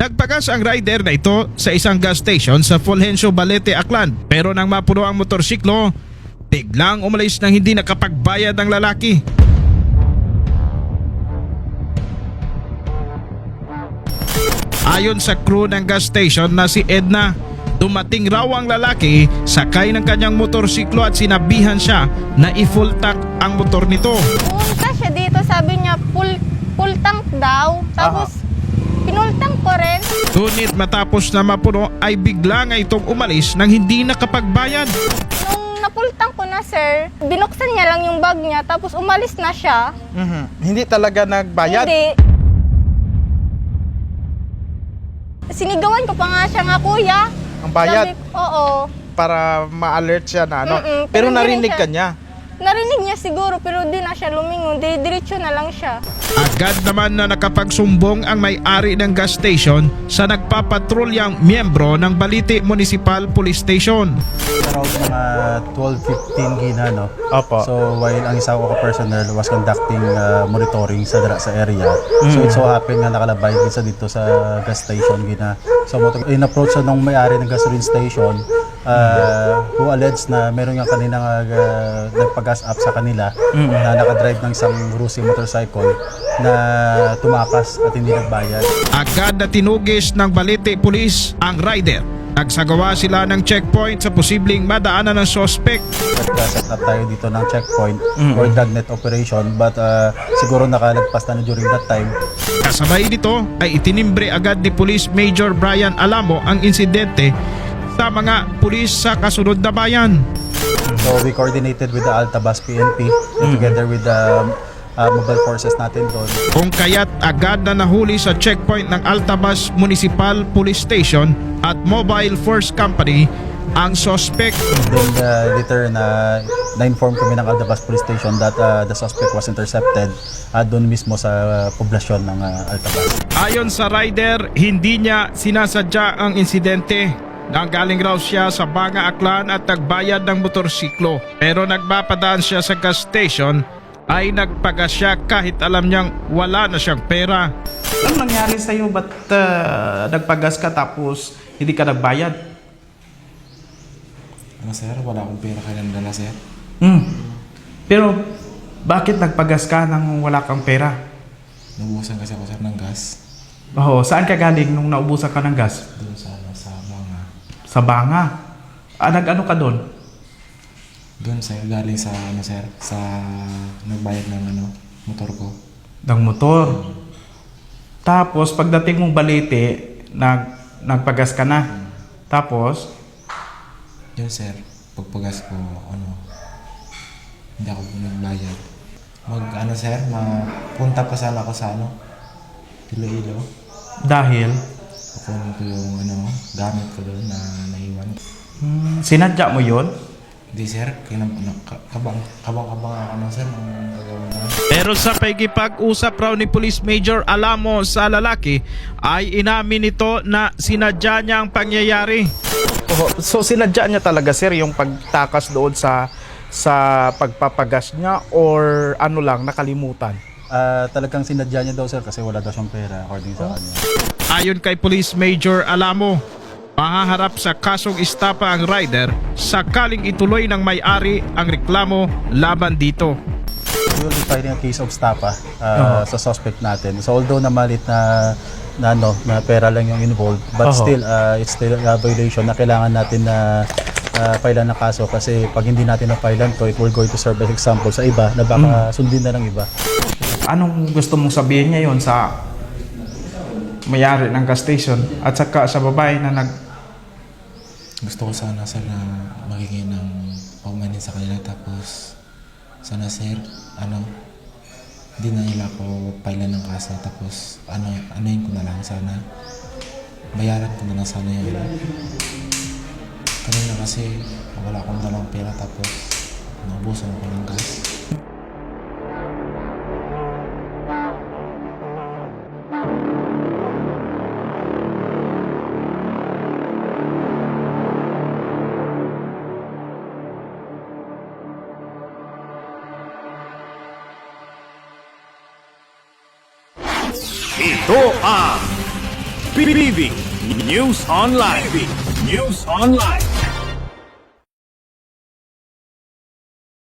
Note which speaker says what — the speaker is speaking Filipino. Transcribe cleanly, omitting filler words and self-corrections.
Speaker 1: Nagpagas ang rider na ito sa isang gas station sa Fulgencio Balete, Aklan. Pero nang mapuno ang motorsiklo, biglang umalis nang hindi nakapagbayad ang lalaki. Ayon sa crew ng gas station na si Edna, dumating raw ang lalaki, sakay ng kanyang motorsiklo at sinabihan siya na i-full tank ang motor nito.
Speaker 2: Pumunta siya dito, sabi niya full tank daw. Tapos pinultang ko rin.
Speaker 1: Ngunit matapos na mapuno ay bigla nga itong umalis nang hindi nakapagbayad.
Speaker 2: Nung napultang ko na, sir, binuksan niya lang yung bag niya, tapos umalis na siya.
Speaker 3: Hindi talaga nagbayad?
Speaker 2: Hindi. Sinigawan ko pa nga siya nga, kuya.
Speaker 3: Ang bayad?
Speaker 2: Oo.
Speaker 3: Para ma-alert siya na ano.
Speaker 2: Mm-mm,
Speaker 3: Pero
Speaker 2: pero di
Speaker 3: narinig
Speaker 2: rin
Speaker 3: ka
Speaker 2: siya-
Speaker 3: niya?
Speaker 2: Narinig niya siguro, pero di na siya lumingon. Diretso na lang siya.
Speaker 1: Agad naman na nakapagsumbong ang may-ari ng gas station sa nagpapatrulyang miyembro ng Balite Municipal Police Station.
Speaker 4: Around mga 12:15 gina, no?
Speaker 3: Opo.
Speaker 4: So while ang isa ko personnel was conducting monitoring sa area, so it so happened na nakalabay dito sa gas station gina. So in-approach nung may-ari ng gasoline station, who alleged na meron nga kanina nagpa-gas up sa kanila na nakadrive ng isang Rusi motorcycle na tumakas at hindi nagbayad.
Speaker 1: Agad na tinugis ng Balite Police ang rider. Nagsagawa sila ng checkpoint sa posibleng madaanan ng suspect.
Speaker 4: Set up tayo dito ng checkpoint or dragnet operation, but siguro nakalagpas na during that time.
Speaker 1: Kasabay nito ay itinimbre agad ni Police Major Brian Alamo ang insidente sa mga pulis sa kasunod na bayan.
Speaker 4: So we coordinated with the Altabas PNP together with the mobile forces natin doon.
Speaker 1: Kung kaya't agad na nahuli sa checkpoint ng Altabas Municipal Police Station at Mobile Force Company ang suspect.
Speaker 4: Then later na-inform kami ng Altabas Police Station that the suspect was intercepted doon mismo sa poblasyon ng Altabas.
Speaker 1: Ayon sa rider, hindi niya sinasadya ang insidente. Nanggaling raw siya sa Banga, Aklan at nagbayad ng motorsiklo. Pero nagpapadaan siya sa gas station ay nagpagas siya kahit alam niyang wala na siyang pera.
Speaker 3: Ano nangyari sa'yo? Ba't nagpagas ka tapos hindi ka nagbayad?
Speaker 5: Ano sir, wala akong pera kailan dala sir.
Speaker 3: Pero bakit nagpagas ka nang wala kang pera?
Speaker 5: Nabuhusan kasi ako sir ng gas.
Speaker 3: Oo, saan ka galing nung naubusan ka ng gas?
Speaker 5: Doon sa Banga.
Speaker 3: Sa Banga. Nag-ano ka doon?
Speaker 5: Doon sir, galing sa ano sir, sa nagbayad ng ano, motor ko.
Speaker 3: Ng motor. Tapos pagdating mong Balete, nagpagas ka na. Tapos,
Speaker 5: Yun sir, pagpagas ko, ano, hindi ako nagbayad. Ano sir, mapunta pa sana ako sa ano, Iloilo.
Speaker 3: dahil
Speaker 5: Kukunin ko yung ano, gamit ko doon na naiwan.
Speaker 3: sinadya mo yon.
Speaker 5: Hindi sir, kabang ako no sir, ng gagawin na.
Speaker 1: Pero sa pagkipag-usap raw ni Police Major Alamo sa lalaki ay inamin nito na sinadya niya ang pangyayari.
Speaker 3: So sinadya niya talaga sir yung pagtakas doon sa pagpapagas niya or ano lang, nakalimutan?
Speaker 4: Talagang sinadya niya daw sir kasi wala daw siyang pera according sa kanya.
Speaker 1: Ayon kay Police Major Alamo, mahaharap sa kasong istapa ang rider sakaling ituloy ng may-ari ang reklamo laban dito.
Speaker 4: We will be filing a case of stapa sa suspect natin. So although na malit na pera lang yung involved, but still it's still a violation na kailangan natin na filean ng kaso kasi pag hindi natin na-filean to, it will go to serve as example sa iba na baka sundin na ng iba.
Speaker 3: Anong gusto mong sabihin ngayon sa may-ari ng gas station at saka sa babae na
Speaker 5: Gusto ko sana sir na magiging ng paumanin sa kanila tapos sana sir, hindi na nila ako pailan ng kaso tapos anuhin ko na lang sana. Bayaran ko na lang sana yun. Kanina kasi wala akong dalang pera tapos naubusan ako ng gas.
Speaker 6: Ito ang PBB News Online. News Online.